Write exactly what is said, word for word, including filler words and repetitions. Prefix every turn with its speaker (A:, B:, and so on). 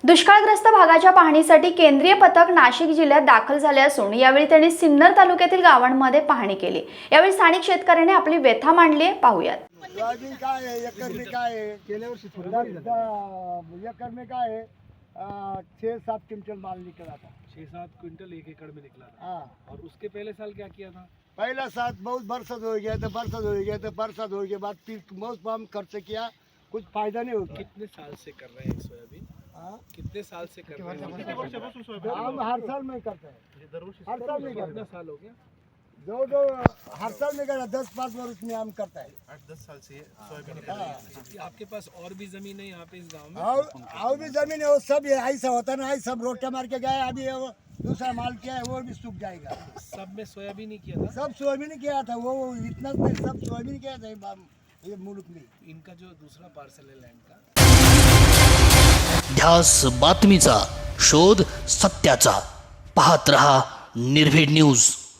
A: दुष्काळग्रस्त भागाच्या पाहणीसाठी केंद्रीय पथक नाशिक जिल्ह्यात दाखल झाले असून यावेळी त्यांनी सिन्नर तालुक्यातील गावांमध्ये पाहणी केली। यावेळी स्थानिक शेतकऱ्यांनी आपली व्यथा मांडली आहे, पाहूयात।
B: सोयाबीन काय आहे, एकर में काय आहे, गेल्या वर्षी एकर में काय है छः सात क्विंटल माल निकला था।
C: छः सात क्विंटल एक एकड़ में निकला था।
B: हाँ,
C: और उसके पहले साल क्या किया था?
B: पहला साल बहुत बरसात हो गया था, बरसात हो गया था, बरसात हो के बाद फिर बहुत कम खर्च किया, कुछ फायदा नहीं होता।
C: कितने साल से कर रहे हैं सोयाबीन?
B: हाँ,
C: कितने साल से कर रहे हैं?
B: हम हर साल में करते हैं, हर साल में करते
C: कितना
B: हैं,
C: साल हो गया?
B: जो जो हर साल में करता, दस पाँच वर्ष में हम करता है।
C: आठ दस साल से सोयाबीन
B: हाँ,
C: आपके पास और भी जमीन है यहाँ पे इस गांव में?
B: और और भी जमीन है, वो सब ये ऐसा होता ना, ऐसा सब रोटा मार के गए, अभी वो दूसरा माल किया है वो भी सूख जाएगा।
C: सब में सोयाबीन ही किया था।
B: सब सोयाबीन किया था, वो वो इतना नहीं, सब सोयाबीन किया था ये बाम- ये मुल्क में।
C: इनका जो दूसरा पार्सल है लैंड का,
D: ध्यास बातमीचा शोध सत्याचा पाहत रहा निर्भीड न्यूज।